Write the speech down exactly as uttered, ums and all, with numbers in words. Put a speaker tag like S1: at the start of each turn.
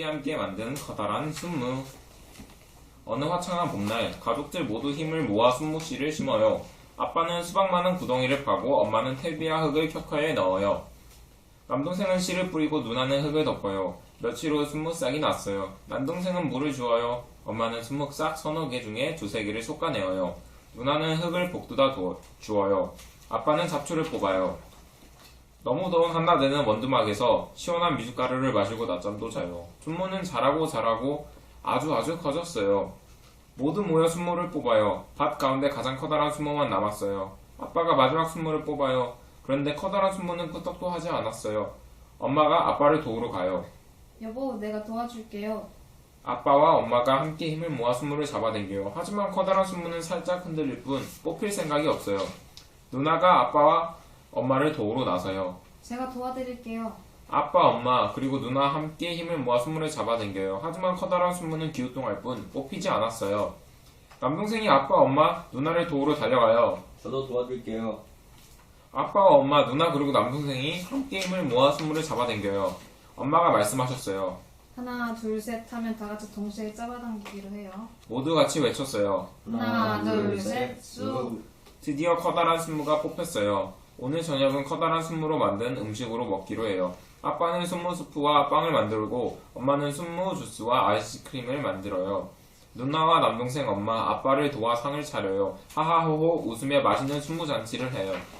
S1: 함께 만든 커다란 순무. 어느 화창한 봄날 가족들 모두 힘을 모아 순무씨를 심어요. 아빠는 수박 많은 구덩이를 파고 엄마는 퇴비와 흙을 켜커에 넣어요. 남동생은 씨를 뿌리고 누나는 흙을 덮어요. 며칠 후 순무싹이 났어요. 남동생은 물을 주어요. 엄마는 순무싹 서너 개 중에 두세 개를 솎아내어요. 누나는 흙을 복두다 주어요. 아빠는 잡초를 뽑아요. 너무 더운 한낮에는 원두막에서 시원한 미숫가루를 마시고 낮잠도 자요. 순무는 자라고 자라고 아주 아주 커졌어요. 모두 모여 순무를 뽑아요. 밭 가운데 가장 커다란 순무만 남았어요. 아빠가 마지막 순무를 뽑아요. 그런데 커다란 순무는 끄떡도 하지 않았어요. 엄마가 아빠를 도우러 가요.
S2: 여보, 내가 도와줄게요.
S1: 아빠와 엄마가 함께 힘을 모아 순무를 잡아당겨요. 하지만 커다란 순무는 살짝 흔들릴 뿐 뽑힐 생각이 없어요. 누나가 아빠와 엄마를 도우러 나서요.
S2: 제가 도와드릴게요.
S1: 아빠, 엄마, 그리고 누나 함께 힘을 모아 순무를 잡아당겨요. 하지만 커다란 순무는 기우뚱할 뿐 뽑히지 않았어요. 남동생이 아빠, 엄마, 누나를 도우러 달려가요.
S3: 저도 도와줄게요.
S1: 아빠와 엄마, 누나 그리고 남동생이 함께 힘을 모아 순무를 잡아당겨요. 엄마가 말씀하셨어요.
S2: 하나, 둘, 셋 하면 다 같이 동시에 잡아당기기로 해요.
S1: 모두 같이 외쳤어요.
S2: 하나, 둘, 셋, 쑥.
S1: 드디어 커다란 순무가 뽑혔어요. 오늘 저녁은 커다란 순무로 만든 음식으로 먹기로 해요. 아빠는 순무 수프와 빵을 만들고 엄마는 순무 주스와 아이스크림을 만들어요. 누나와 남동생 엄마, 아빠를 도와 상을 차려요. 하하호호 웃으며 맛있는 순무 잔치를 해요.